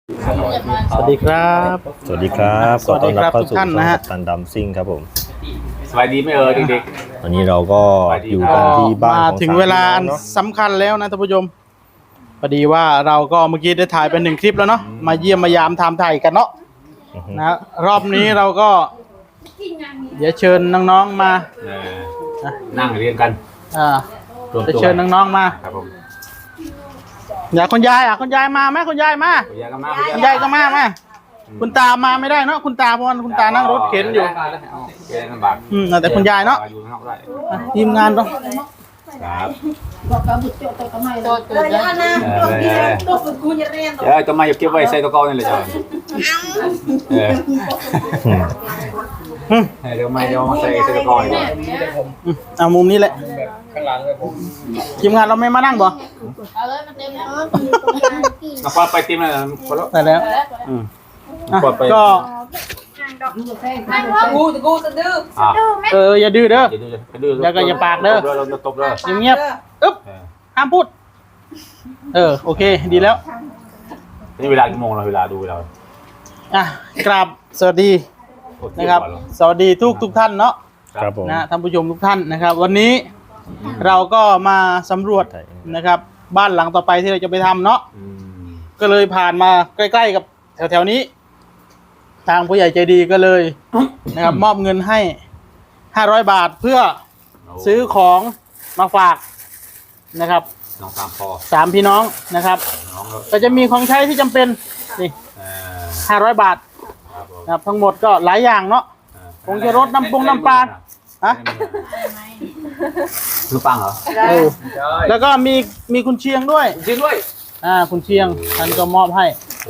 สวัสดีครับสวัสดีครับสวัสดีครับทุกท่านนะฮะตันดำซิ่งครับผมสบายดีไหมเด็กวันนี้เราก็อยู่กันที่บ้านมาของถึงเวลาอันเนาะสำคัญแล้วนะท่านผู้ชมพอดีว่าเราก็เมื่อกี้ได้ถ่ายเป็น1 คลิปแล้วเนาะมาเยี่ยมมายามทำถ่ายกันเนาะนะรอบนี้เราก็เดี๋ยวเชิญน้องๆมาๆนั่งเรียนกันอ่ารวมจะตัวเชิญน้องๆมาครับผมอยากคุณยายคุณยายมาไหมคุณยายมาคุณยายก็มาคุณยายก็มาคุณตามาไม่ได้เนาะคุณตาเพราะว่าคุณตานั่งรถเข็นอยู่แกลำบากแต่คุณยายเนาะอยู่ข้างนอกได้ทีมงานต้องครับเลยนะนะตัวฝึกกูจะเรียนเดี๋ยวจะมาเก็บไว้ใส่ตะกร้อนี่เลยจ้ะเดี๋ยวมาใส่ตะกร้อนี่เอามุมนี้แหละทีมงานเราไม่มานั่งบ่เอาเลยมันเต็มแล้วน้องปอไปติมเลยคนละแต่แล้วอ่ะก็กูจะดื้ออย่าดื้อเด้อเราตบเลยเงียบๆอึ๊บห้ามพูดโอเคดีแล้วนี่เวลากี่โมงเราเวลาดูเวลากราบสวัสดีนะครับสวัสดีทุกท่านเนาะครับผมนะท่านผู้ชมทุกท่านนะครับ วันนี้เราก็มาสำรวจนะครับ บ้านหลังต่อไปที่เราจะไปทำเนาะก็เลยผ่านมาใกล้ๆกับแถวๆนี้ ทางผู้ใหญ่ใจดีก็เลยนะครับมอบเงินให้500 บาทเพื่อซื้อของมาฝากนะครับน้องตามพอ 3 พี่น้องนะครับน้องก็จะมีของใช้ที่จำเป็นนี่500 บาทนะครับทั้งหมดก็หลายอย่างเนาะคงจะรถน้ำปลาฮะลูกปังเหรอแล้วก็มีคุณเชียงด้วยจริงด้วยคุณเชียงท่านก็มอบให้โอ้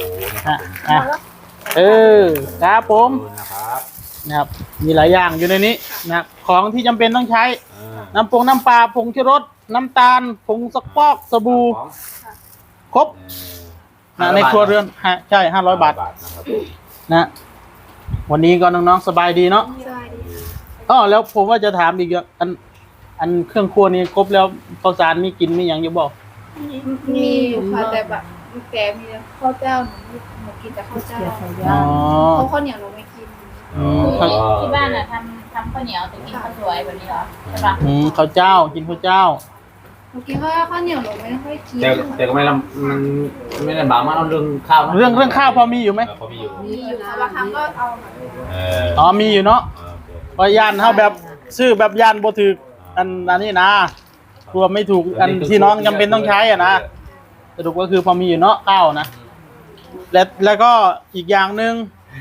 ครับผมนะครับนะครับมีหลายอย่างอยู่ในนี้นะครับของที่จำเป็นต้องใช้น้ำปลาผงชูรสน้ำตาลผงซักฟอกสบู่ครบในครัวเรือนใช่500 บาทนะวันนี้ก็น้องๆสบายดีเนาะแล้วผมว่าจะถามอีกอย่างอันเครื่องครัวนี้ครบแล้วข้าวสารมีกินมีอย่างอยู่บอกมีค่ะแต่แบบแกมีข้าวเจ้าหนูกินแต่ข้าวเจ้าเขาข้าวเหนียวหนูไม่กินที่บ้านน่ะทำข้าวเหนียวแต่กินข้าวสวยแบบนี้เหรอใช่ปะข้าวเจ้ากินข้าวเจ้าหนูกินข้าวเหนียวหนูไม่ค่อยกินแต่ก็ไม่ลำมันไม่ลำบากมากเรื่องข้าวเรื่องข้าวพอมีอยู่ไหมพอมีอยู่มีอยู่ค่ะบางครั้งก็เอามีอยู่เนาะพอยานเขาแบบซื้อแบบยานบ่ถูกอันนี้นะกลัวไม่ถูกอันที่น้องจำเป็นต้องใช้นะสรุปก็คือพอมีอยู่เนาะข้าวนะแล้วก็อีกอย่างหนึ่ง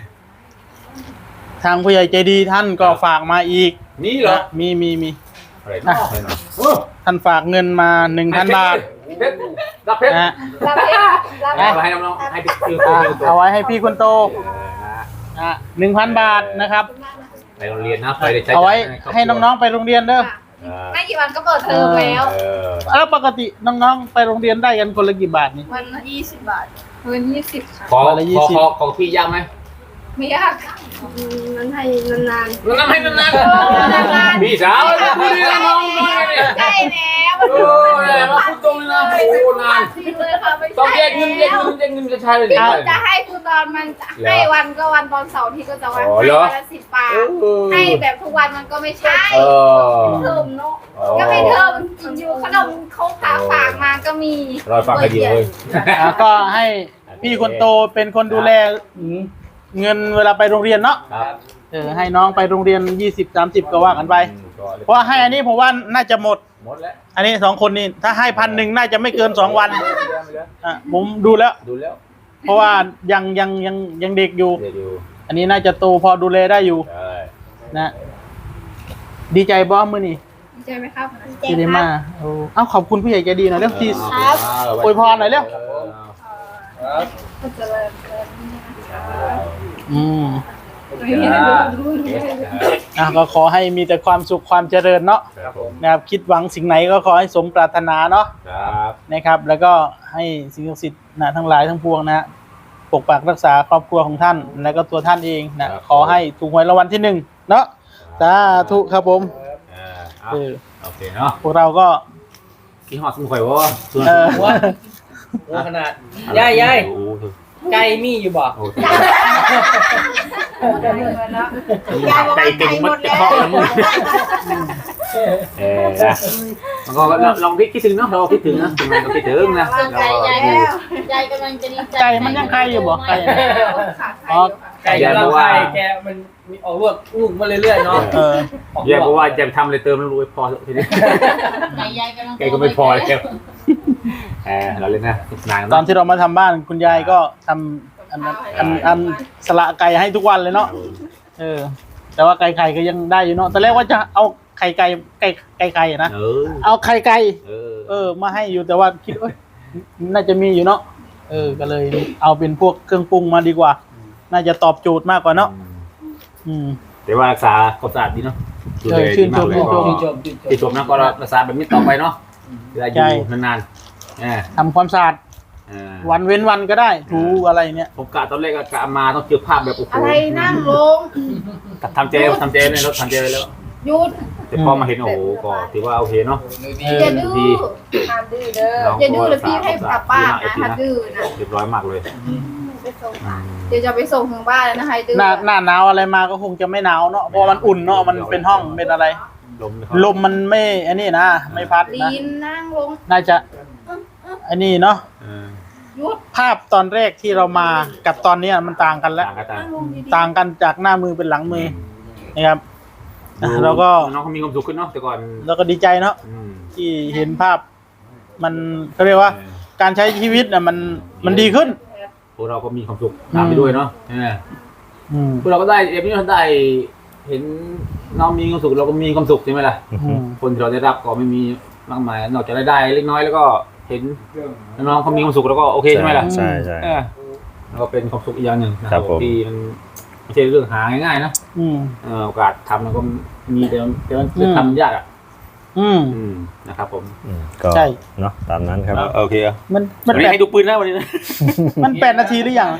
ทางผู้ใหญ่ใจดีท่านก็ฝากมาอีกนี่เหรอมีอะไรท่านฝากเงินมา 1,000 บาทรับเพชรนะรับเพชรรับเพชรให้น้องๆให้พี่เอาไว้ให้พี่คนโต1,000 บาทนะครับไปโรงเรียนนะไปได้ใช้เอาไว้ให้น้องๆไปโรงเรียนเด้อไม่กี่วันก็เปิดเทอมแล้วแล้วปกติน้องๆไปโรงเรียนได้กันคนละกี่บาทนี่วันละ20 บาทวัน20ค่ะขอพี่ยากไหมไม่ยากนั้นให้นานน้ำให้นานๆพี่สาวพูดดีนะน้องๆเลยๆใช่แล้วโอ้ยมาพูดตรงเลยนะโอ้นานเลยค่ะไม่ต้องใช่แยกเงินจะใช่เลยจะให้คุณตอนมันให้วันก็วันตอนเสาร์ที่ก็จะวันละ10 บาทให้แบบทุกวันมันก็ไม่ใช่เทอมเนาะก็ไม่เทอมอยู่ขนมเขาฝากมาก็มีรอฟังคดีเลยก็ให้พี่คนโตเป็นคนดูแลเงินเวลาไปโรงเรียนเนาะครับให้น้องไปโรงเรียน20-30ก็ว่ากันไปเพราะให้อันนี้ผมว่าน่าจะหมดหมดแล้วอันนี้2 คนนี่ถ้าให้1,000น่าจะไม่เกิน2 วันผมดูแล้วดูแล้วเพราะว่ายังเด็กอยู่เดี๋ยวดูอันนี้น่าจะโตพอดูแลได้อยู่ใช่นะดีใจบ้อมือนี่ใช่ไหมครับที่ได้มาขอบคุณผู้ใหญ่ใจดีหน่อยเร็วทีอวยพรหน่อยเร็วก็จะเลยก็ขอให้มีแต่ความสุขความเจริญเนาะครับผมนะครับคิดหวังสิ่งไหนก็ขอให้สมปรารถนาเนาะครับนะครับ แล้วก็ให้สิ่งศักดิ์สิทธิ์นะทั้งหลายทั้งปวงนะปกปักรักษาครอบครัวของท่าน แล้วก็ตัวท่านเองนะขอให้ถูกหวยรางวัลที่1เนาะสาธุครับผมโอเคเนาะพวกเราก็กี่หอดสมุนไพรวะเออขนาดยายไก่มีอยู่บ่ไก่เก่งมัดจะเคาะแล้วมึงมันก็ลองคิดถึงเนาะเราคิดถึงนะทำไมเราคิดถึงนะส่วนไก่ยายกำลังจะดีใจไก่มันยังไข่อยู่บ่ไก่อ๋อไก่เราไข่แกมันมีออกลูกมาเรื่อยๆเนาะแย่เพราะว่าจะทำอะไรเติมแล้วรู้พอทีนี้ไก่ยายกำลังไก่ก็ไม่พอแล้วเราเล่นนะนานตอนที่เรามาทำบ้านคุณยายก็ทำอันสละไก่ให้ทุกวันเลยเนาะแต่ว่าไก่ก็ยังได้อยู่เนาะตอนแรกว่าจะเอาไก่นะเอาไข่ไก่มาให้อยู่แต่ว่าคิดน่าจะมีอยู่เนาะก็เลยเอาเป็นพวกเครื่องปรุงมาดีกว่าน่าจะตอบโจทย์มากกว่าเนาะแต่ว่ารักษาความสะอาดดีเนาะชื่นชมนะก็รักษาแบบนี้ต่อไปเนาะเวลาอยู่นานๆทำความสะอาดวันเว้นวันก็ได้ถูอะไรเนี่ยผมกะตอนแรกกะมาต้องเจอภาพแบบโอ้โหอะไรนั่งลงทำเจในรถทำเจไปแล้วหยุดแต่พอมาเห็นโอ้โหก็ถือว่าโอเคเนาะอย่าดื้อห้ามดื้อเด้ออย่าดื้อเลยพี่ให้กลับบ้านนะถ้าดื้อนะเรียบร้อยมากเลยเดี๋ยวจะไปส่งถึงบ้านแล้วนะให้ดื้อหน้าหนาวอะไรมาก็คงจะไม่หนาวเนาะเพราะมันอุ่นเนาะมันเป็นห้องเป็นอะไรลมมันไม่อันนี้นะไม่พัดนะนั่งลงน่าจะอันนี้เนาะหยุดภาพตอนแรกที่เรามากับตอนนี้มันต่างกันแล้วต่างกันจากหน้ามือเป็นหลังมือนะครับแล้วก็น้องเขามีความสุขขึ้นเนาะแต่ก่อนเราก็ดีใจเนาะที่เห็นภาพมันเขาเรียกว่าการใช้ชีวิตน่ะมันดีขึ้นพวกเราก็มีความสุขตามไปด้วยเนาะพวกเราก็ได้เอฟนี้เราได้เห็นน้องมีความสุขเราก็มีความสุขใช่ไหมล่ะคนที่เราได้รับก็ไม่มีมากมายนอกจากได้เล็กน้อยแล้วก็เห็นน้องเขามีความสุขแล้วก็โอเคใช่ไหมล่ะใช่แล้วก็เป็นความสุขอีกอย่างหนึ่งนะครับที่มันไม่ใช่เรื่องหาง่ายๆนะโอกาสทำมันก็มีแต่มันจะทำยากนะครับผมก็เนาะตามนั้นครับโอเคมันให้ดูปืนแล้ววันนี้นะมัน8 นาทีหรือยัง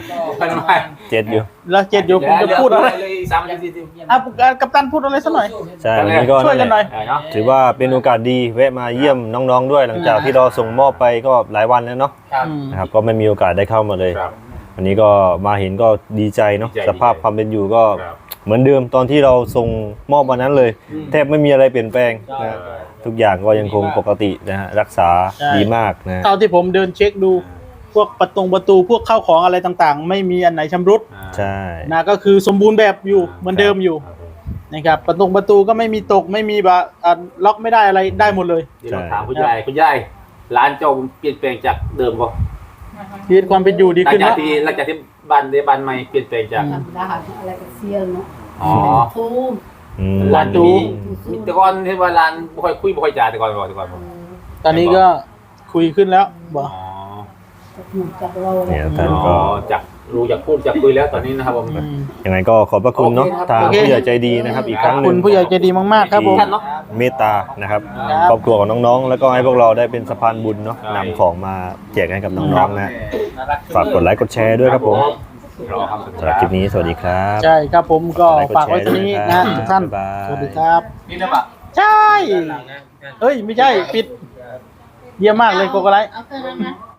7อยู่แล้ว7อยู่ผมจะพูดอะไรกัปตันพูดอะไรสักหน่อยใช่วันนี้ก็ช่วยกันหน่อยถือว่าเป็นโอกาสดีแวะมาเยี่ยมน้องๆด้วยหลังจากที่เราส่งมอบไปก็หลายวันแล้วเนาะนะครับก็ไม่มีโอกาสได้เข้ามาเลยวันนี้ก็มาเห็นก็ดีใจเนาะสภาพความเป็นอยู่ก็เหมือนเดิมตอนที่เราส่งมอบวันนั้นเลยแทบไม่มีอะไรเปลี่ยนแปลงนะทุกอย่างก็ยังคงปกตินะฮะรักษาดีมากนะเท่าที่ผมเดินเช็คดูพวกประตูพวกข้าวของอะไรต่างๆไม่มีอันไหนชำรุดใช่นะก็คือสมบูรณ์แบบอยู่เหมือนเดิมอยู่นะครับประตูก็ไม่มีตกไม่มีแบบล็อกไม่ได้อะไรได้หมดเลยถามคุณยายร้านเจ้าเปลี่ยนแปลงจากเดิมป่ะชีวิตความเป็นอยู่ดีขึ้นเนาะหลังจากที่บ้านใหม่เปลี่ยนแปลงจากอะไรก็เซียนเนาะทูร้านทูแต่ก่อนที่ว่าร้านบ่ค่อยคุยบ่ค่อยจ่าแต่ก่อนตอนนี้ก็คุยขึ้นแล้วบ่เนี่ยท่านก็จากรู้จากพูดจากคุยแล้วตอนนี้นะครับผมยังไงก็ขอบพระคุณเนาะทางผู้ใหญ่ใจดีนะครับอีกครั้งนึงคุณผู้ใหญ่ใจดีมากๆครับผมเมตตานะครับครอบครัวของน้องๆแล้วก็ให้พวกเราได้เป็นสะพานบุญเนาะนำของมาแจกให้กับน้องๆนะฝากกดไลค์กดแชร์ด้วยครับผมสำหรับคลิปนี้สวัสดีครับใช่ครับผมก็ฝากไว้ตรงนี้นะทุกท่านสวัสดีครับนี่นะปะใช่เอ้ยไม่ใช่ปิดเยี่ยมมากเลยโกโกไลท์เอาเครื่องนั้นนะ